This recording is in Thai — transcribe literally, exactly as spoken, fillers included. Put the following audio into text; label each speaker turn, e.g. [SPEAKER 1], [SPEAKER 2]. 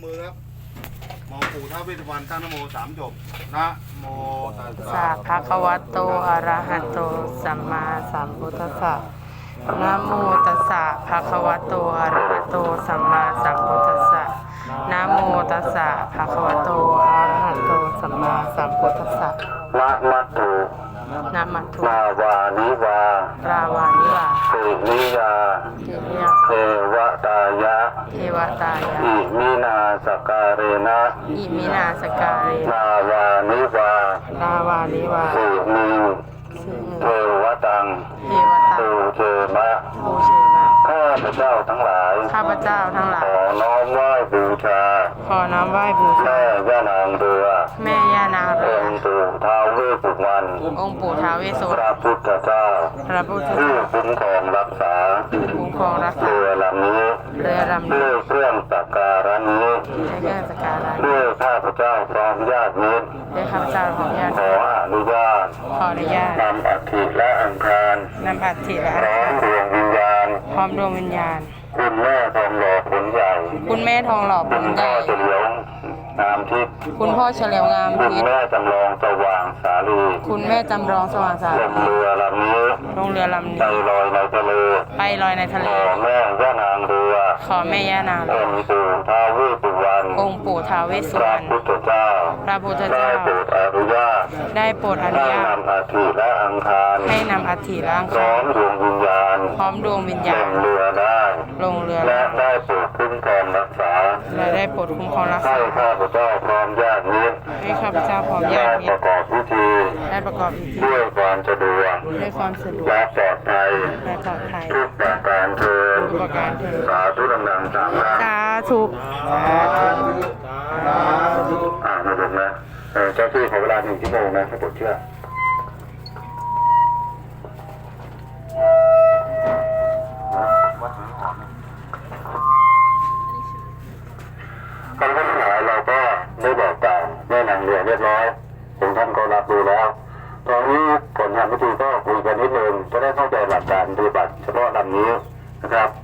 [SPEAKER 1] มือครับมองปู่ท้าวเวสสุวรรณตั้งนะโมสามจบนะโมตัส
[SPEAKER 2] สะ
[SPEAKER 1] สะ
[SPEAKER 2] ภะคะวะโตอะระหะโตสัมมาสัมพุทธัสสะนะโมตัสสะภะคะวะโตอะระหะโตสัมมาสัมพุทธัสสะนะโมตัสสะภะคะวะโตอะระหะโตสัมมาสัมพุทธัสสะ
[SPEAKER 3] นะมัตถุ
[SPEAKER 2] นะมัตถุ
[SPEAKER 3] นาวานิวาร
[SPEAKER 2] าวานิวา
[SPEAKER 3] สินิยา
[SPEAKER 2] เทเย
[SPEAKER 3] เทวตายะ
[SPEAKER 2] เทวตายา
[SPEAKER 3] อิมินาสการเรนะ
[SPEAKER 2] อิมินาสการเร
[SPEAKER 3] นาวานิวาร
[SPEAKER 2] าวานิวา
[SPEAKER 3] สินิ
[SPEAKER 2] สิ
[SPEAKER 3] เทวตัง
[SPEAKER 2] เทวตา
[SPEAKER 3] ตูเทมะ
[SPEAKER 2] โอเชมะ
[SPEAKER 3] ข้าพเจ้าทั้งหลาย
[SPEAKER 2] ข้าพเจ้าทั้งหลา
[SPEAKER 3] ข
[SPEAKER 2] ย
[SPEAKER 3] อน้อมไหว้บูชา
[SPEAKER 2] ขอน้อมไหว้บูชา
[SPEAKER 3] แม่ย่านางเรือ
[SPEAKER 2] แม่ย่านางเรือ
[SPEAKER 3] องค์ปู่ท้าวเวสสุวรรณ
[SPEAKER 2] องค์ปู่ท้าวเวสสุว
[SPEAKER 3] พ
[SPEAKER 2] รรณ
[SPEAKER 3] ระพุทธเจ้า
[SPEAKER 2] พระพุทธ
[SPEAKER 3] ผู้
[SPEAKER 2] เจ้า
[SPEAKER 3] คุ้มครองรักษา
[SPEAKER 2] คุ้มครองรักษา
[SPEAKER 3] เรือลำนี้
[SPEAKER 2] เรือลำนี้
[SPEAKER 3] ด้วยเครื่องสักการะนี้
[SPEAKER 2] ในเครื่องสักการะ
[SPEAKER 3] ด้วยข้าพเจ้าพร้อมญาติมิตร
[SPEAKER 2] ด้วยข้าพเจ้าของญาติ
[SPEAKER 3] ขออนุญาต
[SPEAKER 2] ขออนุญาต
[SPEAKER 3] นำอัฐิและอังคาร
[SPEAKER 2] นำอัฐิและ
[SPEAKER 3] พร้อมดวงวิญญาณ
[SPEAKER 2] พร้อมดวงวิญญาณ
[SPEAKER 3] คุณแม่ทองหล่อผลใหญ่
[SPEAKER 2] คุณแม่ทองหล่อผ
[SPEAKER 3] คุ
[SPEAKER 2] ล
[SPEAKER 3] ณ
[SPEAKER 2] ให
[SPEAKER 3] พ่อ
[SPEAKER 2] ญ่
[SPEAKER 3] เฉลียวงามทิพย์
[SPEAKER 2] คุณพ่อเฉลียวงาม
[SPEAKER 3] คุณ
[SPEAKER 2] พิษ
[SPEAKER 3] แม่จำลองสว่างสาลี
[SPEAKER 2] คุณแม่จำลองสว่างสา
[SPEAKER 3] ล
[SPEAKER 2] ว
[SPEAKER 3] มเรือลำนี้
[SPEAKER 2] ลงเรือลำ
[SPEAKER 3] ใจ
[SPEAKER 2] นี้
[SPEAKER 3] ลอยในทะเล
[SPEAKER 2] ไปลอยในทะ
[SPEAKER 3] ข
[SPEAKER 2] เล
[SPEAKER 3] อแม่ย่านางเรือ
[SPEAKER 2] ขอแม่ย่านาง
[SPEAKER 3] องค์ปู่ท้าวเวสสุวรรณ
[SPEAKER 2] องค์ปู่ท้าวเวสสุ
[SPEAKER 3] พ
[SPEAKER 2] ว
[SPEAKER 3] ระ
[SPEAKER 2] รรณ
[SPEAKER 3] พุทธเจ้า
[SPEAKER 2] พระพุทธ
[SPEAKER 3] ได้
[SPEAKER 2] เจ้า
[SPEAKER 3] โปรดอนุญาต
[SPEAKER 2] ได้โปรดอนุ
[SPEAKER 3] ให้
[SPEAKER 2] ญาต
[SPEAKER 3] นำอัฐิและอังคาร
[SPEAKER 2] ให้นำอัฐิร่าง
[SPEAKER 3] พร้
[SPEAKER 2] คา
[SPEAKER 3] อมดวงวิญญาณ
[SPEAKER 2] พร้อมดวงวิญ
[SPEAKER 3] ล
[SPEAKER 2] ญาณ
[SPEAKER 3] งเรือได้
[SPEAKER 2] ลงเรือ
[SPEAKER 3] และได้โปรดคุ้มครองรักษา
[SPEAKER 2] และได้โปรดคุ้มครองรัก
[SPEAKER 3] ให้
[SPEAKER 2] ษา
[SPEAKER 3] ข้าพเจ้าพร้อมญาติมิตร
[SPEAKER 2] ให้ข้าพเจ้าพร้อมญา
[SPEAKER 3] ได้
[SPEAKER 2] ติมิ
[SPEAKER 3] ป
[SPEAKER 2] ต
[SPEAKER 3] ระ
[SPEAKER 2] ร
[SPEAKER 3] กอบพิธี
[SPEAKER 2] ได้ประกอบพิธี
[SPEAKER 3] ด้วยความสะดวก
[SPEAKER 2] ด้วยความสะดวก
[SPEAKER 3] และปลอดภัย
[SPEAKER 2] และปลอดภัย
[SPEAKER 3] ทุกประการเทิน
[SPEAKER 2] ทุกประการเถิด
[SPEAKER 3] สาธุดังๆสามครั้ง
[SPEAKER 2] สาธุสาธุ
[SPEAKER 3] อ่ามาดูนะเออเจ้าที่ขอเวลาหนึ่งชั่วโมงนะถ้าปวดเชื่อการทั้งหลายเราก็ได้บอกกล่าวแม่นางเรือเรียบร้อยถึงท่านก็รับรู้แล้ว ตอนนี้ผลทำพิธีก็คุยกันนิดนึงจะได้เข้าใจหลักการปฏิบัติเฉพาะลำนี้นะครับ